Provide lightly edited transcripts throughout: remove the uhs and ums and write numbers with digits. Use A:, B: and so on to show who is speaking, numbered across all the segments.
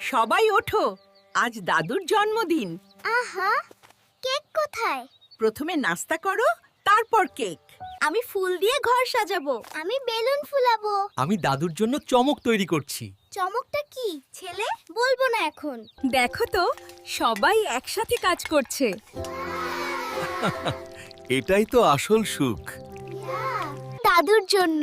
A: সবাই ওঠো, আজ দাদুর জন্মদিন।
B: আহা, কেক কোথায়?
A: প্রথমে নাস্তা করো, তারপর কেক।
B: আমি ফুল দিয়ে ঘর সাজাবো। আমি বেলুন ফুলাবো।
C: আমি দাদুর জন্য চমক তৈরি করছি।
B: চমকটা কি ছেলে? বলবো না এখন।
D: দেখো তো, সবাই একসাথে কাজ করছে।
E: এটাই তো আসল সুখ।
B: দাদুর জন্য।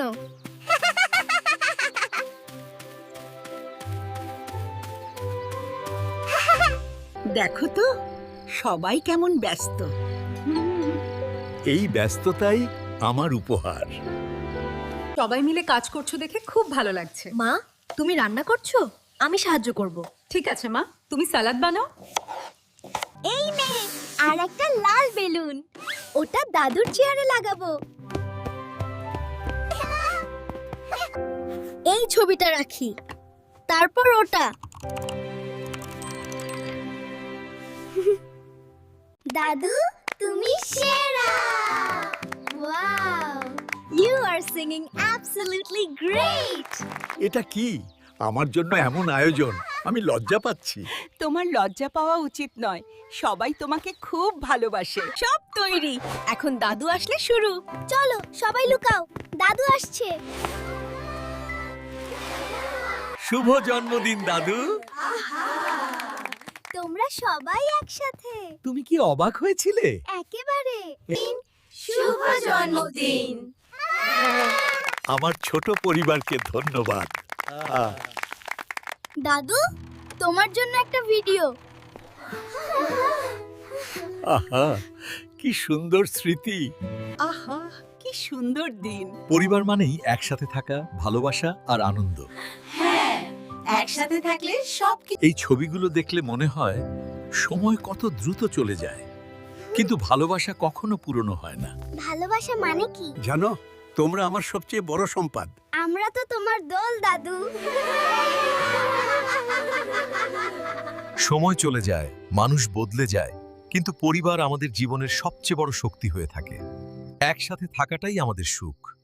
A: দেখো তো সবাই কেমন ব্যস্ত।
E: এই ব্যস্ততাই আমার উপহার।
D: সবাই মিলে কাজ করছো দেখে খুব ভালো লাগছে।
B: মা, তুমি রান্না করছো? আমি সাহায্য করব।
D: ঠিক আছে মা, তুমি সালাদ বানাও।
B: এই নে, আর একটা লাল বেলুন। ওটা দাদুর চেয়ারে লাগাবো। এই ছবিটা রাখি, তারপর ওটা। দাদু, তুমি সেরা! Wow! You are singing absolutely great!
E: এটা কি আমার জন্য এমন আয়োজন? আমি লজ্জা পাচ্ছি।
A: তোমার লজ্জা পাওয়া উচিত নয়, সবাই তোমাকে খুব ভালোবাসে।
D: সব তৈরি, এখন দাদু আসলে শুরু।
B: চলো, সবাই লুকাও, দাদু আসছে।
E: শুভ জন্মদিন দাদু।
B: তোমরা সবাই একসাথে।
E: তুমি কি অবাক হয়েছিলে?
B: একেবারে। শুভ জন্মদিন।
E: আমার ছোট পরিবারকে ধন্যবাদ।
B: দাদু, তোমার জন্য একটা ভিডিও।
E: আহা, কি সুন্দর স্মৃতি।
A: আহা, কি সুন্দর দিন।
E: পরিবার মানেই একসাথে থাকা, ভালোবাসা আর আনন্দ।
A: একসাথে থাকলে সব
E: এই ছবিগুলো দেখলে মনে হয় সময় কত দ্রুত চলে যায়, কিন্তু ভালোবাসা কখনো পুরনো হয় না।
B: ভালোবাসা মানে কি?
E: জানো, তোমরা আমার সবচেয়ে বড় সম্পদ।
B: আমরা তো তোমার দল, দাদু।
F: সময় চলে যায়, মানুষ বদলে যায়, কিন্তু পরিবার আমাদের জীবনের সবচেয়ে বড় শক্তি হয়ে থাকে। একসাথে থাকাটাই আমাদের সুখ।